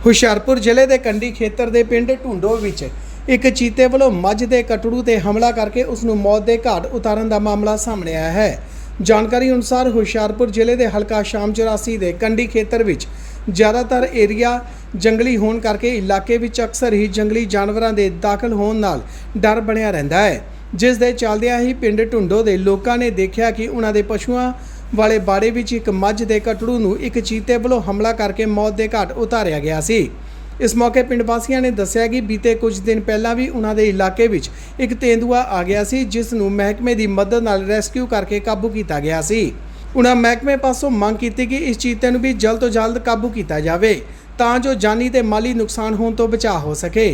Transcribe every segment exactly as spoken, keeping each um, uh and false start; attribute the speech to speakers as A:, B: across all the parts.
A: ਹੁਸ਼ਿਆਰਪੁਰ ਜ਼ਿਲ੍ਹੇ ਦੇ ਕੰਢੀ ਖੇਤਰ ਦੇ ਪਿੰਡ ਢੂੰਡੋ ਵਿੱਚ ਇੱਕ ਚੀਤੇ ਵੱਲੋਂ ਮੱਝ ਦੇ ਕਟੜੂ ਤੇ ਹਮਲਾ ਕਰਕੇ ਉਸ ਨੂੰ ਮੌਤ ਦੇ ਘਾਟ ਉਤਾਰਨ ਦਾ ਮਾਮਲਾ ਸਾਹਮਣੇ ਆਇਆ ਹੈ। ਜਾਣਕਾਰੀ ਅਨੁਸਾਰ ਹੁਸ਼ਿਆਰਪੁਰ ਜ਼ਿਲ੍ਹੇ ਦੇ ਹਲਕਾ ਸ਼ਾਮ ਚੁਰਾਸੀ ਦੇ ਕੰਢੀ ਖੇਤਰ ਵਿੱਚ ਜ਼ਿਆਦਾਤਰ ਏਰੀਆ ਜੰਗਲੀ ਹੋਣ ਕਰਕੇ ਇਲਾਕੇ ਵਿੱਚ ਅਕਸਰ ਹੀ ਜੰਗਲੀ ਜਾਨਵਰਾਂ ਦੇ ਦਾਖਲ ਹੋਣ ਨਾਲ ਡਰ ਬਣਿਆ ਰਹਿੰਦਾ ਹੈ, ਜਿਸ ਦੇ ਚੱਲਦਿਆਂ ਹੀ ਪਿੰਡ ਢੂੰਡੋ ਦੇ ਲੋਕਾਂ ਨੇ ਦੇਖਿਆ ਕਿ ਉਹਨਾਂ ਦੇ ਪਸ਼ੂਆਂ ਵਾਲੇ ਬਾੜੇ ਵਿੱਚ ਇੱਕ ਮੱਝ ਦੇ ਕਟੜੂ ਨੂੰ ਇੱਕ ਚੀਤੇ ਵੱਲੋਂ ਹਮਲਾ ਕਰਕੇ ਮੌਤ ਦੇ ਘਾਟ ਉਤਾਰਿਆ ਗਿਆ ਸੀ। ਇਸ ਮੌਕੇ ਪਿੰਡ ਵਾਸੀਆਂ ਨੇ ਦੱਸਿਆ ਕਿ ਬੀਤੇ ਕੁਝ ਦਿਨ ਪਹਿਲਾਂ ਵੀ ਉਹਨਾਂ ਦੇ ਇਲਾਕੇ ਵਿੱਚ ਇੱਕ ਤੇਂਦੂਆ ਆ ਗਿਆ ਸੀ, ਜਿਸ ਨੂੰ ਮਹਿਕਮੇ ਦੀ ਮਦਦ ਨਾਲ ਰੈਸਕਿਊ ਕਰਕੇ ਕਾਬੂ ਕੀਤਾ ਗਿਆ ਸੀ। ਉਹਨਾਂ ਮਹਿਕਮੇ ਪਾਸੋਂ ਮੰਗ ਕੀਤੀ ਕਿ ਇਸ ਚੀਤੇ ਨੂੰ ਵੀ ਜਲਦ ਤੋਂ ਜਲਦ ਕਾਬੂ ਕੀਤਾ ਜਾਵੇ ਤਾਂ ਜੋ ਜਾਨੀ ਤੇ ਮਾਲੀ ਨੁਕਸਾਨ ਹੋਣ ਤੋਂ ਬਚਾਅ ਹੋ ਸਕੇ।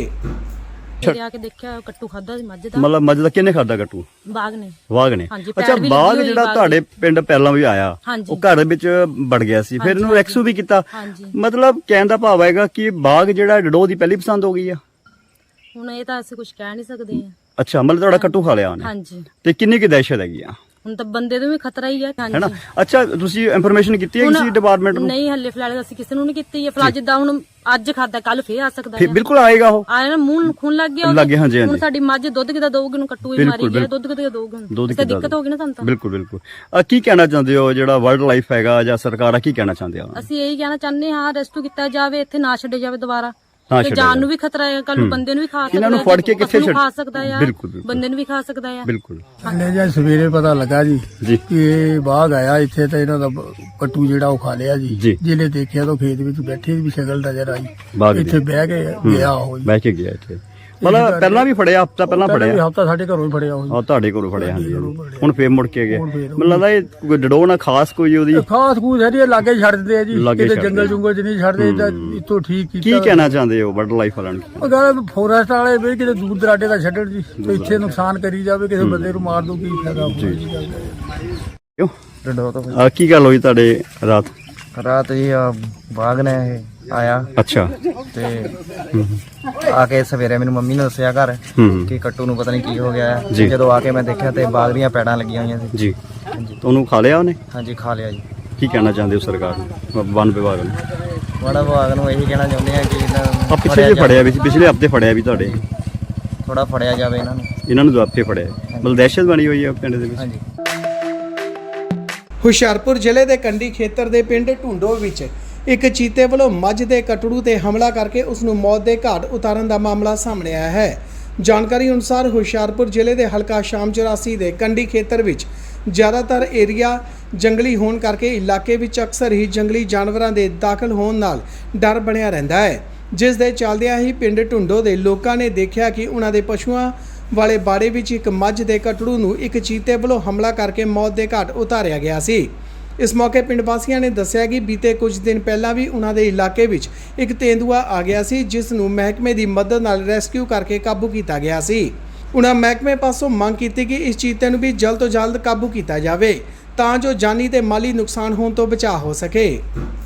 B: ਆ ਕੇ ਦੇਖਿਆ ਕੱਟੂ ਖਾਦਾ ਸੀ ਮੱਝ ਦਾ।
C: ਮਤਲਬ ਮੱਝ ਦਾ ਕਿਹਨੇ ਖਾਦਾ ਕੱਟੂ?
B: ਬਾਗ ਨੇ।
C: ਬਾਗ ਨੇ।
B: ਹਾਂਜੀ,
C: ਅੱਛਾ,
B: ਪੈਰ ਵੀ
C: ਬਾਗ
B: ਲੱਗੀ ਹੋਈ
C: ਜਿਹੜਾ
B: ਬਾਗ
C: ਤੁਹਾਡੇ ਪਿੰਡ ਪਹਿਲਾਂ ਵੀ ਆਇਆ,
B: ਹਾਂਜੀ।
C: ਉਹ ਘਰ ਵਿੱਚ ਵੜ ਗਿਆ ਸੀ, ਫਿਰ ਇਹਨੂੰ ਰੈਕਸੂ ਵੀ ਕੀਤਾ।
B: ਹਾਂਜੀ।
C: ਮਤਲਬ ਕਹਿਣ ਦਾ ਭਾਵ ਹੈਗਾ ਕਿ ਬਾਗ ਜਿਹੜਾ ਡਡੋ ਦੀ ਪਹਿਲੀ ਪਸੰਦ ਹੋ ਗਈ ਆ।
B: ਹੁਣ ਇਹ ਤਾਂ ਅਸੀਂ ਕੁਝ ਕਹਿ ਨਹੀਂ ਸਕਦੇ ਆ।
C: ਅੱਛਾ, ਮਤਲਬ ਤੁਹਾਡਾ ਕੱਟੂ ਖਾ ਲਿਆ ਉਹਨੇ।
B: ਹਾਂਜੀ।
C: ਤੇ ਕਿੰਨੀ ਕੁ ਦਹਿਸ਼ਤ ਹੈਗੀ ਆ?
B: ਹੁਣ ਤਾਂ ਬੰਦੇ ਨੂੰ ਵੀ ਖਤਰਾ ਹੀ ਹੈ।
C: ਹੈਨਾ?
B: ਹਾਂਜੀ।
C: ਅੱਛਾ, ਤੁਸੀਂ ਇਨਫੋਰਮੇਸ਼ਨ ਕੀਤੀ ਹੈ ਕਿਸੇ ਡਿਪਾਰਟਮੈਂਟ ਨੂੰ?
B: ਨਹੀਂ, ਹੱਲੇ ਫਿਲਹਾਲ ਅਸੀਂ ਕਿਸੇ ਨੂੰ ਨਹੀਂ ਕੀਤੀ ਹੈ। ਫਿਲਹਾਲ ਜਿੱਦਾਂ ਹੁਣ ਅੱਜ ਖਾਦਾ ਕੱਲ ਫੇਰ ਆ ਸਕਦਾ
C: ਫਿਰ
B: ਹੈ।
C: ਬਿਲਕੁਲ ਆਏਗਾ ਉਹ।
B: ਆਇਆ ਨਾ, ਮੂੰਹ ਨੂੰ ਖੂਨ ਲੱਗ ਗਿਆ ਉਹਦੇ।
C: ਲੱਗ ਗਿਆ, ਹਾਂਜੀ,
B: ਹੁਣ
C: ਹਾਂਜੀ।
B: ਸਾਡੀ ਮੱਝ ਦੁੱਧ ਕਿਦਾਂ ਦਊਗੀ? ਨੂੰ ਕੱਟੂ ਹੀ ਮਾਰੀ ਗਿਆ, ਦੁੱਧ ਕਿਦਾਂ ਦਊਗੀ?
C: ਦੁੱਧ
B: ਤੇ ਦਿੱਕਤ ਹੋ ਗਈ ਨਾ ਸਾਨੂੰ ਤਾਂ।
C: ਬਿਲਕੁਲ ਬਿਲਕੁਲ। ਆ ਕੀ ਕਹਿਣਾ ਚਾਹੁੰਦੇ ਹੋ, ਜਿਹੜਾ ਵਰਲਡ ਲਾਈਫ ਹੈਗਾ ਜਾਂ ਸਰਕਾਰ ਆ, ਕੀ ਕਹਿਣਾ ਚਾਹੁੰਦੇ ਆ?
B: ਅਸੀਂ ਇਹੀ ਕਹਿਣਾ ਚਾਹੁੰਦੇ ਹਾਂ, ਰੈਸਕਿਊ ਕੀਤਾ ਜਾਵੇ, ਇੱਥੇ ਨਾ ਛੱਡੇ ਜਾਵੇ ਦੁਬਾਰਾ।
C: ਨਾ
B: ਤੇ
C: ਛੱਡਿਆ
B: ਜਾਨ
C: ਜਾਵੇ।
B: ਨੂੰ ਵੀ ਖਤਰਾ ਹੈ, ਕੱਲ ਨੂੰ ਬੰਦੇ ਨੂੰ ਵੀ ਖਾ ਸਕਦਾ ਹੈ।
C: ਇਹਨਾਂ ਨੂੰ ਫੜ ਕੇ ਕਿੱਥੇ
B: ਪਸ਼ੂ ਨੂੰ
C: ਛੱਡ-
B: ਖਾ ਸਕਦਾ ਹੈ,
C: ਬਿਲਕੁਲ, ਬਿਲਕੁਲ।
B: ਬੰਦੇ ਨੂੰ ਵੀ ਖਾ ਸਕਦਾ ਹੈ।
C: ਬਿਲਕੁਲ।
D: ਹਲੇ ਜਾਂ ਸਵੇਰੇ ਪਤਾ ਲੱਗਾ ਜੀ
C: ਜੀ।
D: ਕਿ ਇਹ ਬਾਗ ਆਇਆ ਇੱਥੇ ਤਾਂ ਇਹਨਾਂ ਦਾ ਬ- ਕੱਟੂ ਜਿਹੜਾ ਉਹ ਖਾ ਲਿਆ
C: ਜੀ।
D: ਜੀ। ਜਿਹਨੇ ਦੇਖਿਆ ਤਾਂ ਖੇਤ ਵਿੱਚ ਬੈਠੇ ਵੀ ਸ਼ਕਲ ਨਜ਼ਰ
C: ਬਾਗ
D: ਆਈ,
C: ਦੀ।
D: ਇੱਥੇ ਬਹਿ ਕੇ ਗਿਆ ਉਹ ਜੀ।
C: ਬਹਿ ਕੇ ਗਿਆ ਇੱਥੇ। ਮਤਲਬ ਪਹਿਲਾਂ ਵੀ ਫੜਿਆ, ਹਫਤਾ ਪਹਿਲਾਂ ਫੜਿਆ।
D: ਹਫਤਾ ਸਾਡੇ ਘਰੋਂ ਹੀ ਫੜਿਆ ਉਹ ਜੀ।
C: ਆ ਤੁਹਾਡੇ ਕੋਲੋਂ ਫੜਿਆ, ਹਾਂਜੀ।
D: ਘਰੋਂ ਫੜਿਆ।
C: ਹੁਣ ਫੇਰ ਮੁੜ ਕੇ ਗਿਆ।
D: ਹੁਣ ਫੇਰ
C: ਮੈਨੂੰ ਲੱਗਦਾ ਇਹ ਡਡੋ ਨਾ ਖਾਸ ਕੋਈ ਉਹਦੀ।
D: ਖਾਸ ਖੂਸ ਹੈ ਜੀ, ਇਹ ਲਾਗੇ ਹੀ ਛੱਡ ਦਿੰਦੇ ਆ ਜੀ,
C: ਲਾਗੇ
D: ਕਿਤੇ
C: ਛੱਡ
D: ਜੰਗਲ
C: ਦਿੰਦੇ।
D: ਜੁੰਗਲ ਚ ਨਹੀਂ ਛੱਡਦੇ, ਤਾਂ ਇਤੋਂ ਠੀਕ
C: ਕੀ
D: ਕੀਤਾ।
C: ਕਹਿਣਾ ਚਾਹੁੰਦੇ ਹੋ ਵਰਲਡ ਲਾਈਫ ਵਾਲਿਆਂ ਨੂੰ?
D: ਉਹ ਗੱਲ ਫੋਰੈਸਟ ਵਾਲੇ ਵੀ ਕਿਤੇ ਦੂਰ ਦਰਾਡੇ ਦਾ ਛੱਡਣ ਜੀ, ਤੇ ਇੱਥੇ ਨੁਕਸਾਨ ਕਰੀ ਜਾਵੇ, ਕਿਸੇ ਬੰਦੇ ਨੂੰ ਮਾਰ ਦੋ, ਕੀ ਫਾਇਦਾ ਹੋਊਗਾ ਜੀ ਗੱਲ ਦਾ।
C: ਕਿਉਂ?
E: ਡਡੋ ਤੋਂ
C: ਆ ਕੀ ਗੱਲ ਹੋਈ ਤੁਹਾਡੇ ਰਾਤ?
E: ਰਾਤ ਜੀ ਆ ਬਾਗ ਨੇ ਇਹ ਆਇਆ
C: ਅੱਛਾ।
E: ਤੇ ਆ ਕੇ ਸਵੇਰੇ ਮੈਨੂੰ ਮੰਮੀ ਨੇ ਦੱਸਿਆ ਘਰ
C: ਹੂੰ
E: ਕਿ ਕੱਟੂ ਨੂੰ ਪਤਾ ਨਹੀਂ ਕੀ ਹੋ ਗਿਆ ਹੈ।
C: ਜੀ।
E: ਜਦੋਂ ਆ ਕੇ ਮੈਂ ਦੇਖਿਆ ਤੇ ਬਾਗ ਦੀਆਂ ਪੈੜਾਂ ਲੱਗੀਆਂ ਹੋਈਆਂ ਸੀ।
C: ਜੀ। ਤੁਹਾਨੂੰ ਖਾ ਲਿਆ ਉਹਨੇ?
E: ਹਾਂਜੀ, ਖਾ ਲਿਆ ਜੀ।
C: ਕੀ ਕਹਿਣਾ ਚਾਹੁੰਦੇ ਹੋ ਸਰਕਾਰ ਨੂੰ, ਵਨ ਵਿਭਾਗ ਨੂੰ?
E: ਵਣ ਵਿਭਾਗ ਨੂੰ ਇਹੀ ਕਹਿਣਾ ਚਾਹੁੰਦੇ ਆ ਕਿ
C: ਆ ਪਿੱਛੇ ਜੇ ਫੜਿਆ ਵੀ ਸੀ, ਪਿਛਲੇ ਹਫਤੇ ਫੜਿਆ ਵੀ ਤੁਹਾਡੇ।
E: ਥੋੜਾ ਫੜਿਆ ਜਾਵੇ ਇਹਨਾਂ ਨੂੰ।
C: ਇਹਨਾਂ ਨੂੰ ਦੁਆਪੇ ਫੜਿਆ। ਮਤਲਬ ਦਹਿਸ਼ਤ ਬਣੀ ਹੋਈ ਹੈ ਪਿੰਡ ਦੇ ਵਿੱਚ।
E: ਹਾਂਜੀ।
A: ਹੁਸ਼ਿਆਰਪੁਰ ਜ਼ਿਲ੍ਹੇ ਦੇ ਕੰਢੀ ਖੇਤਰ ਦੇ ਪਿੰਡ ਢੂੰਡੋ ਵਿੱਚ ਇੱਕ ਚੀਤੇ ਵੱਲੋਂ ਮੱਝ ਦੇ ਕਟੜੂ ਤੇ ਹਮਲਾ ਕਰਕੇ ਉਸ ਨੂੰ ਮੌਤ ਦੇ ਘਾਟ ਉਤਾਰਨ ਦਾ ਮਾਮਲਾ ਸਾਹਮਣੇ ਆਇਆ ਹੈ। ਜਾਣਕਾਰੀ ਅਨੁਸਾਰ ਹੁਸ਼ਿਆਰਪੁਰ ਜ਼ਿਲ੍ਹੇ ਦੇ ਹਲਕਾ ਸ਼ਾਮ ਚੁਰਾਸੀ ਦੇ ਕੰਢੀ ਖੇਤਰ ਵਿੱਚ ਜ਼ਿਆਦਾਤਰ ਏਰੀਆ ਜੰਗਲੀ ਹੋਣ ਕਰਕੇ ਇਲਾਕੇ ਵਿੱਚ ਅਕਸਰ ਹੀ ਜੰਗਲੀ ਜਾਨਵਰਾਂ ਦੇ ਦਾਖਲ ਹੋਣ ਨਾਲ ਡਰ ਬਣਿਆ ਰਹਿੰਦਾ ਹੈ, ਜਿਸ ਦੇ ਚੱਲਦਿਆਂ ਹੀ ਪਿੰਡ ਢੂੰਡੋ ਦੇ ਲੋਕਾਂ ਨੇ ਦੇਖਿਆ ਕਿ ਉਹਨਾਂ ਦੇ ਪਸ਼ੂਆਂ ਵਾਲੇ ਬਾੜੇ ਵਿੱਚ ਇੱਕ ਮੱਝ ਦੇ ਕਟੜੂ ਨੂੰ ਇੱਕ ਚੀਤੇ ਵੱਲੋਂ ਹਮਲਾ ਕਰਕੇ ਮੌਤ ਦੇ ਘਾਟ ਉਤਾਰਿਆ ਗਿਆ ਸੀ। ਇਸ ਮੌਕੇ ਪਿੰਡ ਵਾਸੀਆਂ ਨੇ ਦੱਸਿਆ ਕਿ ਬੀਤੇ ਕੁਝ ਦਿਨ ਪਹਿਲਾਂ ਵੀ ਉਹਨਾਂ ਦੇ ਇਲਾਕੇ ਵਿੱਚ ਇੱਕ ਤੇਂਦੂਆ ਆ ਗਿਆ ਸੀ, ਜਿਸ ਨੂੰ ਮਹਿਕਮੇ ਦੀ ਮਦਦ ਨਾਲ ਰੈਸਕਿਊ ਕਰਕੇ ਕਾਬੂ ਕੀਤਾ ਗਿਆ ਸੀ। ਉਹਨਾਂ ਮਹਿਕਮੇ ਪਾਸੋਂ ਮੰਗ ਕੀਤੀ ਕਿ ਇਸ ਚੀਤੇ ਨੂੰ ਵੀ ਜਲਦ ਤੋਂ ਜਲਦ ਕਾਬੂ ਕੀਤਾ ਜਾਵੇ ਤਾਂ ਜੋ ਜਾਨੀ ਤੇ ਮਾਲੀ ਨੁਕਸਾਨ ਹੋਣ ਤੋਂ ਬਚਾਅ ਹੋ ਸਕੇ।